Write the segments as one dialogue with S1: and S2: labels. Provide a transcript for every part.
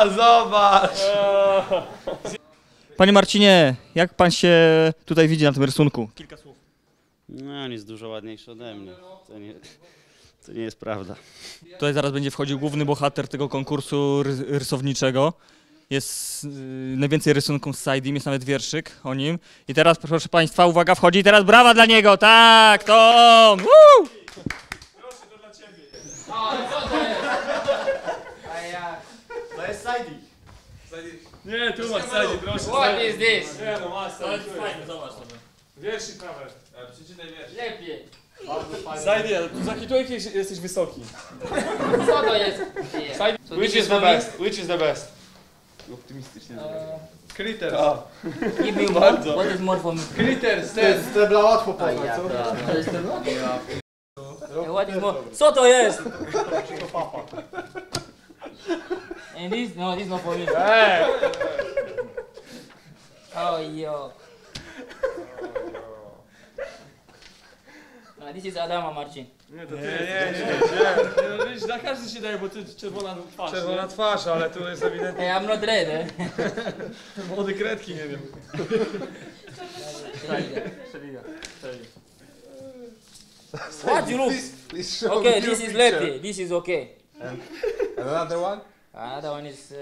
S1: Zobacz!
S2: Panie Marcinie, jak pan się tutaj widzi na tym rysunku? Kilka słów.
S3: No, on jest dużo ładniejszy ode mnie. To nie jest prawda.
S2: Tutaj zaraz będzie wchodził główny bohater tego konkursu rysowniczego. Jest najwięcej rysunków z Saidim, jest nawet wierszyk o nim. I teraz, proszę państwa, uwaga, wchodzi teraz brawa dla niego, tak, to on! Woo!
S1: Proszę, to dla ciebie.
S2: To jest Saidi.
S1: Nie, tu masz Saidi, proszę.
S4: What is this?
S1: Nie, no masz Saidi.
S2: Fajnie, zobacz sobie.
S1: Wierszyk prawe. Przeczytaj wiersz.
S4: Lepiej.
S1: Saidi, ale tu za jakiś jesteś wysoki.
S4: Co to jest?
S1: Saidi,
S4: So
S1: which
S4: this
S1: is
S4: is
S1: the
S4: for me?
S1: best? Which is the best? Optymistycznie. Critters.
S4: Give me more. What is more for me?
S1: Critters, ten.
S5: Strebla łatwo
S4: A
S5: poznać,
S4: ja,
S5: co?
S4: to jest ten. What is more? Co to jest? And this? No, this not for me.
S1: Ej!
S4: Oh, yo. This is Adama Marcin.
S1: Nie, to ty. Nie, no widzisz, dla każdy się daje, bo ty czerwona twarz. Czerwona twarz, ale tu jest ewidentnie
S4: Hey, I'm not red, eh?
S1: młody kredki, nie wiem.
S4: What you look?
S5: Please show
S4: Okay,
S5: me
S4: this
S5: your
S4: is
S5: picture.
S4: Lepi. This is okay.
S5: And another one?
S4: Another one is.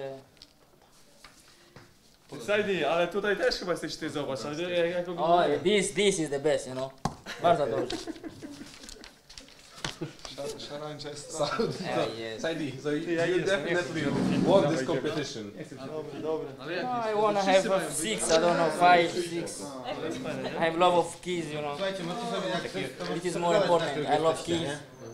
S1: Saidi, ale tutaj też chyba jesteś ty, zobacz. Ale jak
S4: Oh, this is the best, you know. Bardzo dobrze.
S5: Szarańcza
S4: Yes.
S5: Saidi, so you,
S1: Ja
S5: you
S1: jestem,
S5: definitely
S1: nie chcę.
S5: won this competition.
S4: No, I wanna have 6, I don't know, 5, 6. I have love of keys, you know. It is more important. I love keys.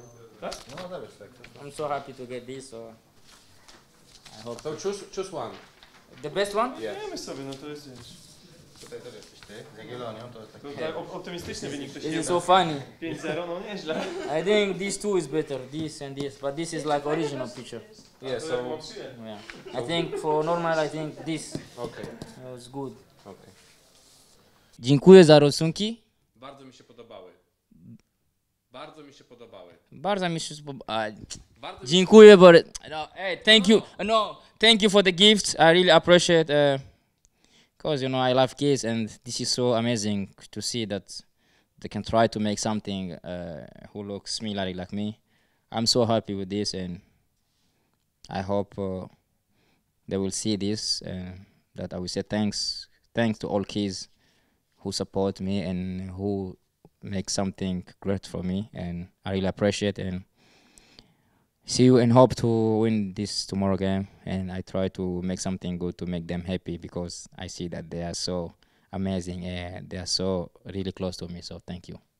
S4: I'm so happy to get this, so I hope.
S5: So choose one.
S4: The best one?
S1: Nie myśl sobie, no to jest wiesz.
S5: Tutaj też jesteś ty, z Jagiellonią, to jest taki...
S1: Tutaj optymistyczny wynik ktoś
S4: This
S1: nie
S4: is
S1: da.
S4: so funny.
S1: 5-0, no nieźle.
S4: I think these two is better, this and this, but this is like original picture.
S5: Yeah,
S1: To
S5: so...
S1: mam przyję.
S4: Yeah. I think for normal, I think this
S5: Okay,
S4: was good.
S5: okay.
S4: Dziękuję za rysunki.
S5: Bardzo mi się podobały. Bardzo mi się podobały.
S4: Bardzo mi się spodobało.
S5: Bardzo mi
S4: Dziękuję, but no, hey, thank you. No, thank you for the gifts. I really appreciate because you know I love kids, and this is so amazing to see that they can try to make something who looks similar like me. I'm so happy with this, and I hope they will see this, and that I will say thanks to all kids who support me and who make something great for me, and I really appreciate and see you and hope to win this tomorrow game, and I try to make something good to make them happy because I see that they are so amazing and they are so really close to me, so thank you.